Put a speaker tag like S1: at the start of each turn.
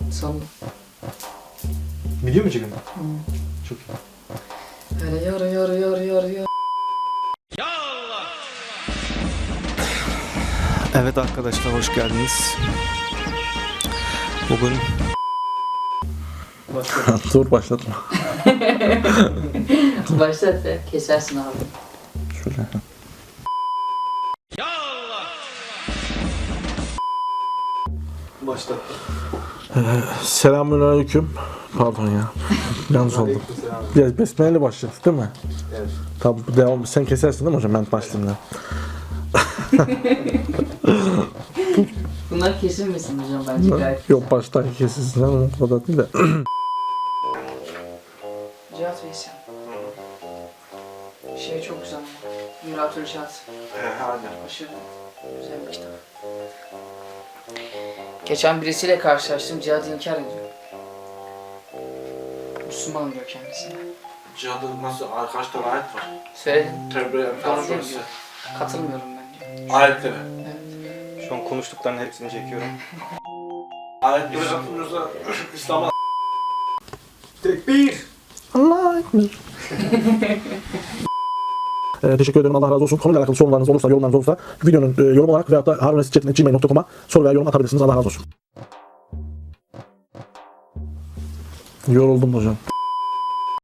S1: Sandım.
S2: Video mu çekiyorsun? Çok iyi.
S1: Öyle yar.
S2: Evet arkadaşlar, hoş geldiniz. Bugün...
S3: Dur başlatma.
S1: Başlat be. Kesersin abi.
S3: Şöyle.
S2: Başla.
S3: Selamünaleyküm. Pardon ya. Yanlış oldu. Ya besmeleyle başladık değil mi?
S2: Evet.
S3: Tamam, devam. Sen kesersin değil mi hocam? Ben başlayayım da.
S1: Bunlar kesilmesin hocam bence gayet.
S3: Yok, baştan kesilsin ama o kadar değil de.
S1: Cihat Veysel. Şey çok güzel ama. Miratül Cihat. Aşırı güzel bir kitap. Geçen birisiyle karşılaştım. Cihat'ı inkar ediyor. Müslüman diyor kendisine.
S3: Cihadın nasıl? Kaç tane ayet var?
S1: Söyledim.
S3: Tevbe
S1: Doğru değil diyor. Katılmıyorum ben diyor.
S3: Ayetleri.
S1: Evet.
S2: Şu an konuştuklarının hepsini çekiyorum.
S3: Ayetleri katılmıyorsa İslam'a...
S2: Tekbir!
S3: Allah ekber. Teşekkür ederim. Allah razı olsun. Konuyla alakalı sorularınız olursa, yorumlarınız olursa videonun yorum olarak veyahut da harunresitchat.gmail.com'a soru veya yorum atabilirsiniz. Allah razı olsun. Yoruldum hocam.